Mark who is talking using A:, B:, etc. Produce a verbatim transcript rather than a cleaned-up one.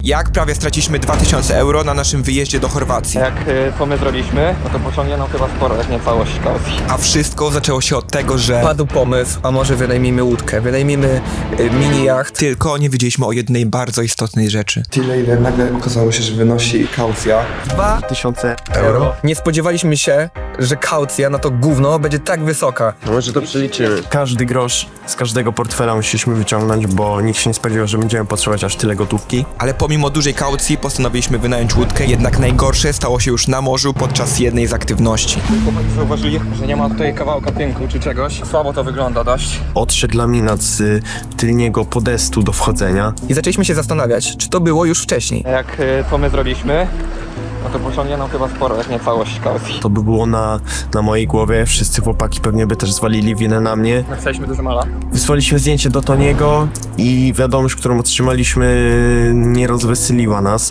A: Jak prawie straciliśmy dwa tysiące euro na naszym wyjeździe do Chorwacji.
B: Jak y, to my zrobiliśmy, no to pociągnie nam chyba sporo, jak nie całość kaucji.
A: A wszystko zaczęło się od tego, że
C: Padł pomysł, a może wynajmijmy łódkę, wynajmijmy y, mini jacht.
A: tylko nie wiedzieliśmy o jednej bardzo istotnej rzeczy.
D: Tyle, ile nagle okazało się, że wynosi kaucja.
C: Dwa
E: Tysiące
C: euro. Nie spodziewaliśmy się, że kaucja na to gówno będzie tak wysoka.
E: No może to przeliczymy. Każdy grosz z każdego portfela musieliśmy wyciągnąć, bo nikt się nie spodziewał, że będziemy potrzebować aż tyle gotówki.
A: Ale pomimo dużej kaucji postanowiliśmy wynająć łódkę, jednak najgorsze stało się już na morzu podczas jednej z aktywności.
B: Chłopaki zauważyli, że nie ma tutaj kawałka tynku czy czegoś. Słabo to wygląda dość.
E: Odszedł laminat z y, tylniego podestu do wchodzenia.
C: I zaczęliśmy się zastanawiać, czy to było już wcześniej.
B: Jak y, to my zrobiliśmy, no to pociągnie nam chyba sporo, jak nie całość kaucji.
E: To by było na, na mojej głowie, wszyscy chłopaki pewnie by też zwalili winę na mnie.
B: Napisaliśmy dużo mala.
E: Wysłaliśmy zdjęcie do Toniego i wiadomość, którą otrzymaliśmy, nie rozweseliła nas.